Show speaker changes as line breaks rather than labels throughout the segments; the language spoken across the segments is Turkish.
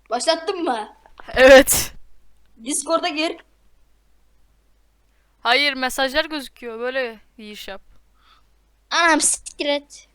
Başlattın mı?
Evet.
Discord'a gir.
Hayır, mesajlar gözüküyor. Böyle giriş yap.
Anam sikret.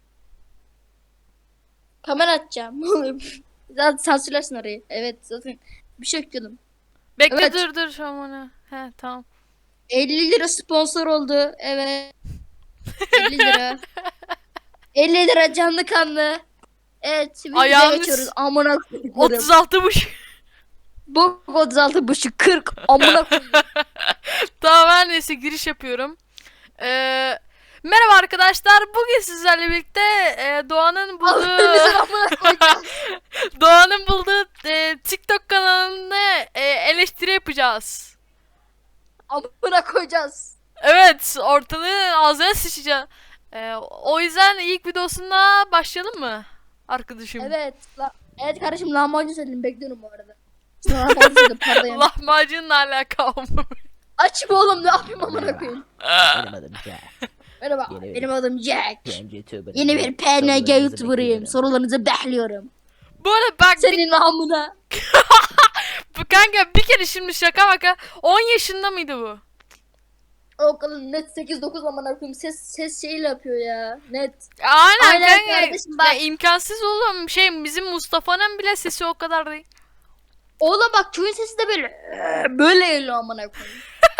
Kamera açacağım. Zaten sansürlersin orayı. Evet zaten bir şey ekliyordum.
Bekle,
Evet.
dur aman. He, tamam.
50 lira sponsor oldu. Evet. 50 lira. 50 lira canlı kanlı. Evet videoya geçiyoruz.
Ayağınız
Amına koyduklarım.
36'mış.
Bok 36 buçuk 40. Amına koydum.
Tamam, her neyse giriş yapıyorum. Merhaba arkadaşlar. Bugün sizlerle birlikte Doğan'ın
Allah'ınızın
bulduğu
amına koyacağız.
Doğan'ın bulduğu TikTok kanalını eleştiri yapacağız.
Amına koyacağız.
Evet, ortalığı ağzına sıçacağız. O yüzden ilk videosuna başlayalım mı arkadaşım?
Evet. Evet kardeşim lahmacun söyledim. Bekliyorum bu arada. Lahmacun söyledim pardon.
Lahmacunla alaka olmuş.
Aç mı oğlum ne yapayım amına koyayım.
Benim adım Jack.
Merhaba
Yeni
benim adım Jack.
Ben YouTuber'ım.
Yeni bir PNG
Sorularınızı
YouTuber'ıyım.
bekliyorum.
Sorularınızı bekliyorum.
Bu arada bak
Senin namına.
bu kanka bir kere şimdi şaka maka 10 yaşında mıydı bu?
Okulun net 8-9 amına koyayım. Ses şeyle yapıyor ya. Net.
Aynen,
Aynen
kanka.
kardeşim, bak.
Ya imkansız oğlum. Bizim Mustafa'nın bile sesi o kadar değil.
Oğlum bak çocuğun sesi de böyle. Böyle geliyor amına koyayım.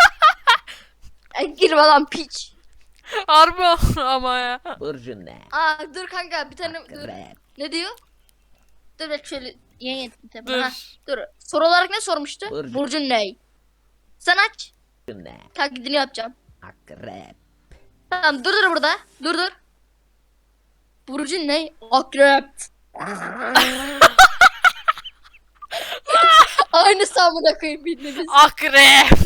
Girme lan piç.
Harbi ama ya.
Burcun ne?
Aa dur kanka bir tane dur.
Akrep.
Ne diyor? Dur bak şöyle yayın ettim tabii.
Dur.
Ha, dur. Soru olarak ne sormuştu?
Burcu.
Burcun ne? Sen aç.
Burcun ne?
Taklidini yapacağım.
Akrep.
Tamam dur burada. Dur. Burcun ne? Akrep. Aynı samına koyayım bildiğiniz.
Akrep.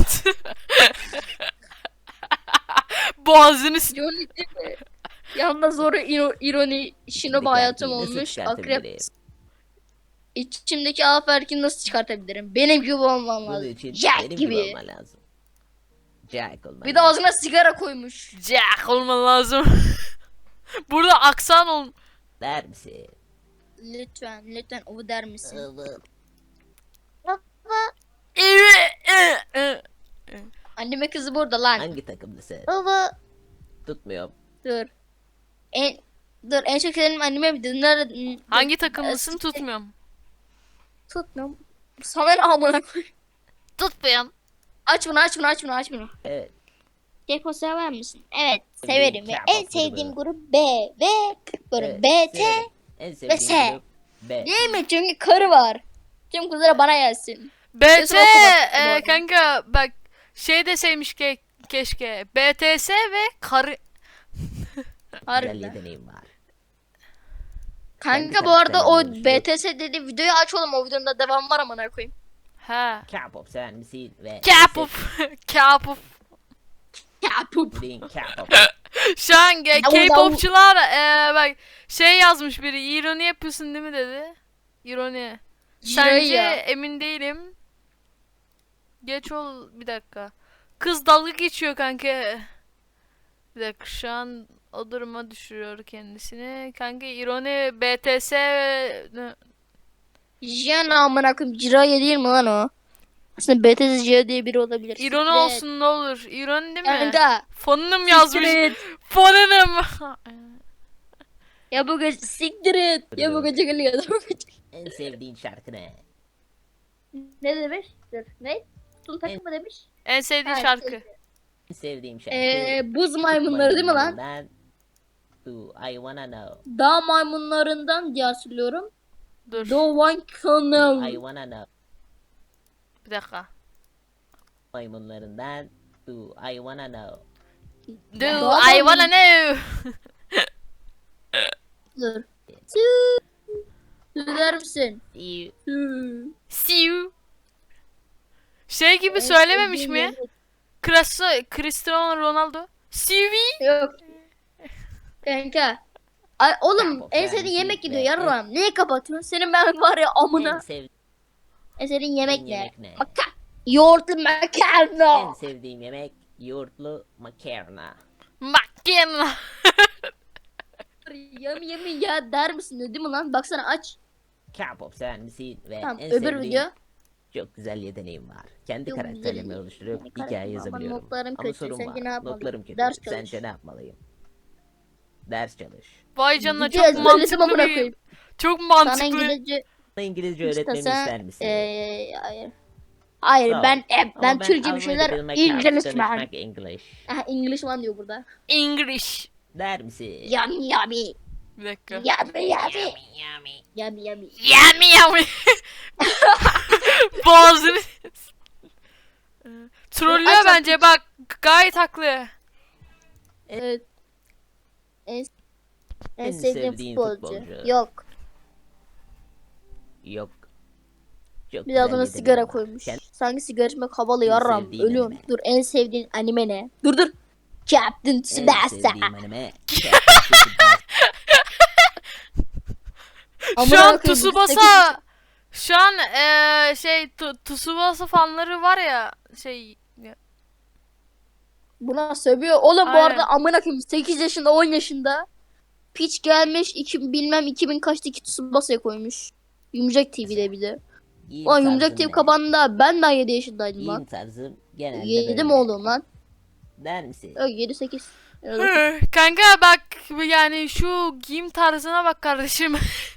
Boğazını s-
Johnny değil mi? Yalnız zor ironi şinoba
Şimdi
hayatım
kalbini nasıl
olmuş.
çıkartabilirim?
Akrep. İçimdeki alfa erkeğini nasıl çıkartabilirim? Benim gibi olmam
Bunun
lazım.
için
Jack
benim
gibi.
gibi olman lazım. Jack olman
Bir de
lazım.
ağzına sigara koymuş.
Jack olman lazım. Burada aksan ol.
Der misin?
Lütfen o der misin?
Evet.
Anneme kızı burada lan.
Hangi takımlısın?
Baba.
Tutmuyorum.
Dur. En çok sevdiğim anneme bir dinler.
Hangi takımlısın tutmuyorum.
Tutmuyorum. Sana ne amına koy.
Tutmuyorum.
Aç bunu.
Evet.
Keko sever misin? Evet
Sevdiğim
severim. Ve
K-pop
en sevdiğim
grubu.
grup B ve grup
Evet,
BT.
severim. En sevdiğim
S.
grup B.
Değil mi? Çünkü karı var. Tüm kızlara bana gelsin.
BT
Kesin okumak bu arada.
kanka bak şey deseymiş keşke. BTS ve karı.
Güzel
Harbiden.
yeteneğim var.
Kanka
Kendi
bu arada o
karakterimi oluşturup-
BTS dedi videoyu aç oğlum o videonun da devam var amına koyayım.
Ha.
K-pop sever misin? Ve
K-pop. K-pop.
Ya pup.
sevdiğin K-pop.
Şu an
Davul,
K-popçular bak şey yazmış biri, ironi yapıyorsun değil mi dedi. İroni. Sence
ya.
emin değilim. Geç ol bir dakika. Kız dalga geçiyor kanka. Bir dakika şu an o duruma düşürüyor kendisini. Kanka ironi BTS
Jiyan amına koyayım. Jiraiya değil mi lan o? Aslında BTS Jiya diye biri olabilir.
ironi
Siktir et.
olsun ne olur. İroni değil mi?
Kanka.
Fonunum yazmış.
Siktir et.
Fonunum.
Ya bu gece siktir et. Ya bu gece geliyor. Ya bu gece.
En sevdiğin şarkı ne?
Ne demiş? Dur. Ne? Tutun takım mı demiş?
En sevdiğin
Ha,
şarkı.
En sevdiğim şarkı.
Buz maymunları değil mi lan?
Maymunlarından Do I Wanna Know.
Dağ maymunlarından diye hatırlıyorum.
Dur.
The One Canal.
I Wanna Know.
Bir dakika.
Maymunlarından Do I Wanna Know.
Do
Doğru.
I wanna know?
Dur. Söyler misin?
See
See you. Şey gibi söylememiş mi? Cristiano Ronaldo. See you.
Yok. Kanka. Ay, oğlum
Yapma,
en
ben
sevdiğin yemek gidiyor
be.
yarram. Niye kapatıyorsun? Senin ben var ya
En
amına.
sevdiğim
En sevdiğin yemek ne?
yemek ne?
Yoğurtlu
En
makarna.
sevdiğim yemek yoğurtlu makarna.
Makina.
Yemi ya der misin değil mi lan? Baksana aç.
K-pop sever misin? Ve
Tamam,
en
öbür
sevdiğin
video.
çok güzel yeteneğim var. Kendi
Çok
karakterimi
güzel.
oluşturup
Yani
hikaye
karakterim ama
yazabiliyorum.
notlarım
Ama
kötü,
sorun
sence
var.
ne yapmalıyım?
Notlarım kötü.
Ders çalış.
Sence ne yapmalıyım? Ders çalış.
Vay canına
Video
çok
ezberledim
mantıklı
amına
bir...
koyayım.
Çok
Sana
mantıklı.
İngilizce
Bana İngilizce öğretmemi
istesen
ister misin?
hayır. Hayır,
Sağ ol.
ben
Ama
Türkçe bir
Almanya'da
şeyler
bilmek,
İngilizman.
konuşmak English.
Aha, Englishman diyor burada.
English.
Der misin?
Yummy yummy.
Bir dakika.
Yummy yummy.
Yummy.
Yummy yummy.
Yummy yummy. Boğazını... Trollüyor
Aç, aç.
bence bak. Gayet haklı.
Evet. En,
En
sevdiğim
sevdiğin
futbolcu.
futbolcu.
Yok.
Yok. Çok
Bir de adına
güzel
sigara
yeteneğim var.
koymuş.
Kendi
Sanki sigara içmek havalı
En
yarram.
sevdiğin
Ölüyorum.
anime.
Dur, en sevdiğin anime ne? Dur. Captain
en
Tsubasa.
sevdiğim anime.
Amına
Şu an
koyayım,
Tsubasa... Şu an Tsubasa fanları var ya şey...
Buna sövüyor. Oğlum bu
Aynen.
arada amına koyayım 8 yaşında 10 yaşında piç gelmiş bilmem 2000 kaçtaki Tsubasa'ya koymuş. Yumuşak TV'de bir de.
Giyim
Ulan Yumuşak
tarzım
TV
ne?
kapandı ben daha 7 yaşındaydım
Giyim
lan.
tarzım genelde
7
böyle.
mi oğlum lan?
Der misin?
Yok 7 8.
Kanka bak yani şu giyim tarzına bak kardeşim.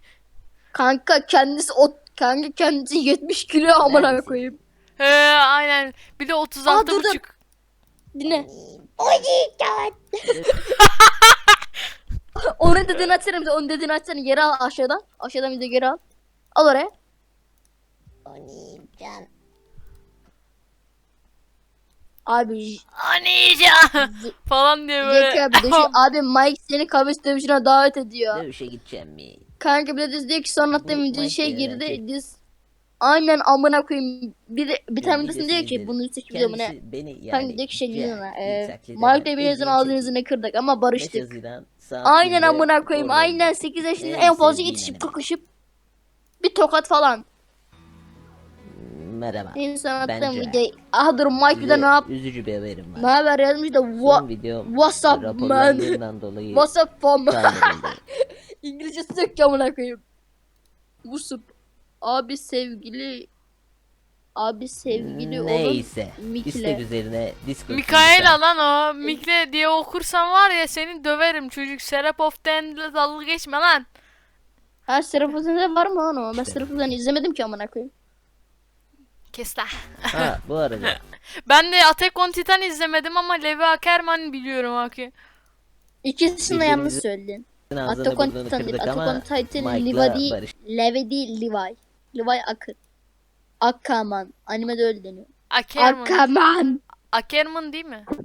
Kanka kendisi 70 kilo amına
Neredesin?
koyayım.
Aynen. Bir de 36
dur, dur.
buçuk.
Dinle. Onun dediğini açsana bize. Onun dediğini açsana. Geri al aşağıdan. Aşağıdan bize geri al. Al oraya. Abi
Anija falan diye böyle.
Zeki abi düşün. Abi Mike seni kavis dövüşüne davet ediyor.
Dövüşe gideceğim mi?
Kanka bir de diz diyor ki sonra hatta
Mike
video şey
diyor,
girdi.
şey.
Diz aynen amına koyayım. Bir tane videosunda diyor ki
izledim.
bunun üstü video mu ne?
Kendisi beni yani
Kanka diyor ki şey
Jack,
diyor
ilk taklidi
Mike
eden
de birinizin
ilk
ağzını
çekti.
yüzünü kırdık ama
5
barıştık.
Haziran saat
Aynen
1'de
amına koyayım.
oradayım.
Aynen 8 yaşında
En
en fazla
sevdiğin
yetişip
anime.
kakışıp bir tokat falan.
Merhaba.
İnsan attığım
Bence
videoyu. Aha dur Mike bir de ne yap?
Üzücü bir haberim
Ne
var.
haber yazmış da
Son video
what's up man?
raporlandığından dolayı
What's up fam?
kaldırıldı.
İngilizcesi yok ki amına koyayım. What's up? Abi sevgili oğlum
Neyse.
Mikle.
İstek üzerine Discord.
Mikaela lan o. Mikle diye okursan var ya seni döverim çocuk. Serapof'ten dalga geçme lan.
Ha Serafuzan'da var mı lan o? Ben
İşte.
Serafuzan'ı izlemedim ki amına koyayım.
Kes lan.
Ha bu arada
Ben de Attack on Titan izlemedim ama Levi Ackerman biliyorum Haki.
İkisini de
Birbirimizi-
yanlış söyledin.
ağzını
Attack on
burnunu
Titan değil.
kırdık
Attack
ama
on Titan
Mike'la
Levi değil.
barış.
Levi değil Levi. Levi Akır. Akkaman. Animede öyle deniyor.
Ackerman.
Akkaman.
Ackerman değil mi?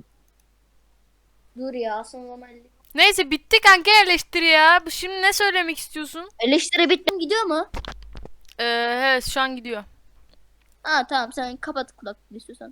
Dur ya son zaman
Neyse bitti kanka eleştiri ya. Şimdi ne söylemek istiyorsun?
eleştiri bittim gidiyor mu?
Evet şu an gidiyor.
Ha tamam sen kapat kulaklığı istiyorsan.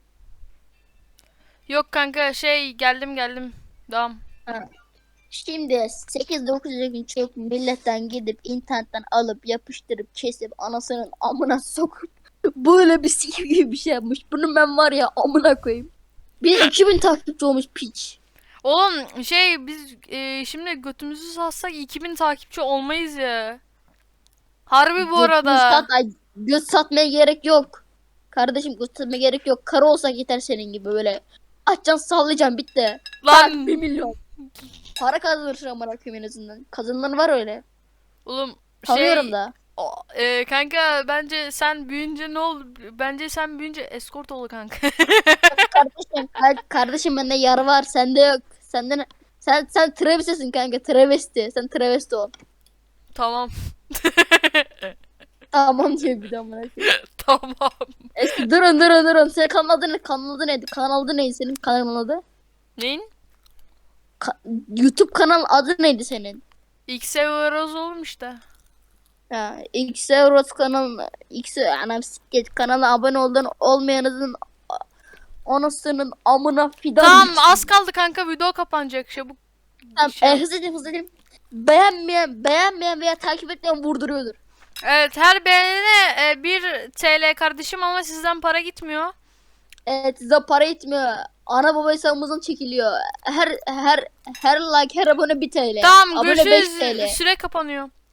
Yok kanka şey geldim. Devam.
Şimdi 8-9 gün çok milletten gidip internetten alıp yapıştırıp kesip anasının amına sokup böyle bir sikim gibi bir şey yapmış. Bunu ben var ya amına koyayım. Bir de 2000 takipçi olmuş piç.
Oğlum şey biz şimdi götümüzü satsak 2000 takipçi olmayız ya. Harbi bu arada.
Göt satmaya gerek yok. Kardeşim göt satmaya gerek yok. Karı olsak yeter senin gibi böyle. Açacaksın sallayacaksın bitti.
Lan
1 milyon. Para kazanırsın amına koyayım en azından. Kazananlar var öyle.
oğlum
Tanıyorum
şey
da.
kanka bence sen büyüyünce ne oldu? Bence sen büyüyünce escort ol kanka.
Kardeşim bende yar var sende yok. Senden sen travestisin kanka travesti. Sen travesti ol.
Tamam.
Tamam diyor bir de amına koyayım.
Tamam.
Durun. Senin kanalın neydi? Kanalın neydi senin kanalın adı?
Neyin?
YouTube kanal adı neydi senin?
X Euroz olmuş işte.
Ya X Euros kanalına anam siklet kanala abone olan olmayanızın anasının amına fidan.
Tamam
gitsin.
az kaldı kanka video kapanacak çabuk.
Tamam,
şey-
hızlı edeyim. Beğenmeyen veya takip etmeyen vurduruyordur.
Evet her beğenene 1 TL kardeşim ama sizden para gitmiyor.
Evet size para etmiyor. Ana baba hesabımızdan çekiliyor. Her like her abone 1 TL.
Tamam
abone 5
görüşürüz.
TL.
Süre kapanıyor.